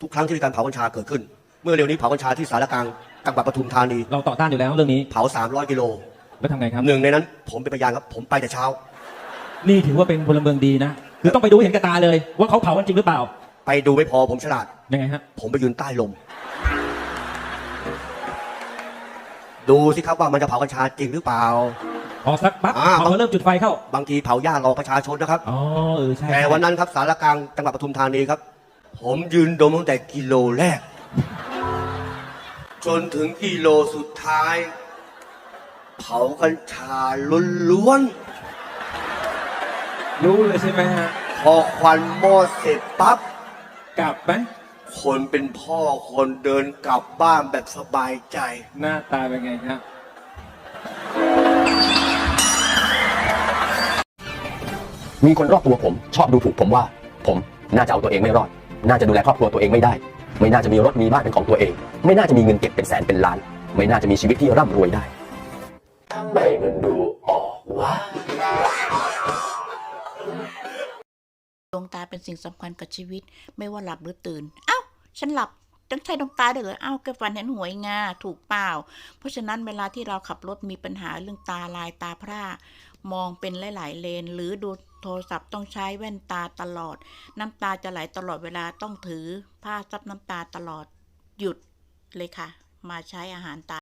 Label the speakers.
Speaker 1: ทุกครั้งที่มีการเผากัญชาเกิดขึ้น เมื่อเร็วนี้เผากัญชาที่สารกลางจังหวัดปทุมธานี
Speaker 2: เราต่อต้านอยู่แล้วเรื่องนี้
Speaker 1: เผา300 กิโล
Speaker 2: แล้วทำไงครับ
Speaker 1: หนึ่งในนั้นผมเป็นพยานครับผมไปแต่เช้า
Speaker 2: นี่ถือว่าเป็นพลเมืองดีนะคือต้องไปดูเห็นกับตาเลยว่าเขาเผากันจริงหรือเปล่า
Speaker 1: ไปดูไม่พอผมฉลาด
Speaker 2: ยังไงฮะ
Speaker 1: ผมไปยืนใต้ลมดูสิครับว่ามันจะเผากัญชาจริงหรือเปล่า
Speaker 2: พอสักปั๊บพอเริ่มจุดไฟเข้า
Speaker 1: บางทีเผาหญ้ารอประชาชนนะครับ
Speaker 2: อ๋อใช่
Speaker 1: แต่วันนั้นครับสารกลางจังหวัดปทุมธานีครับผมยืนดมตั้งแต่กิโลแรกจนถึงกิโลสุดท้ายเผากัญชาล้วน
Speaker 2: รู้เลยใช่ไหมฮะ
Speaker 1: พอควันหม้อเสร็จปั๊บ
Speaker 2: กลับไหม
Speaker 1: คนเป็นพ่อคนเดินกลับบ้านแบบสบายใจ
Speaker 2: หน้าตาเป็นไงครับ
Speaker 3: มีคนรอบตัวผมชอบดูถูกผมว่าผมน่าจะเอาตัวเองไม่รอดน่าจะดูแลครอบครัวตัวเองไม่ได้ไม่น่าจะมีรถมีบ้านเป็นของตัวเองไม่น่าจะมีเงินเก็บเป็นแสนเป็นล้านไม่น่าจะมีชีวิตที่ร่ำรวยได้ทำไมมันดูออกวะ
Speaker 4: ดวงตาเป็นสิ่งสำคัญกับชีวิตไม่ว่าหลับหรือตื่นเอ้าฉันหลับต้องใช้ดวงตาด้วยเหรอเอ้าแกฝันเห็นหวยงาถูกเปล่าเพราะฉะนั้นเวลาที่เราขับรถมีปัญหาเรื่องตาลายตาพร่ามองเป็นหลายๆเลนหรือดูโทรศัพท์ต้องใช้แว่นตาตลอดน้ำตาจะไหลตลอดเวลาต้องถือผ้าซับน้ำตาตลอดหยุดเลยค่ะมาใช้อาหารตา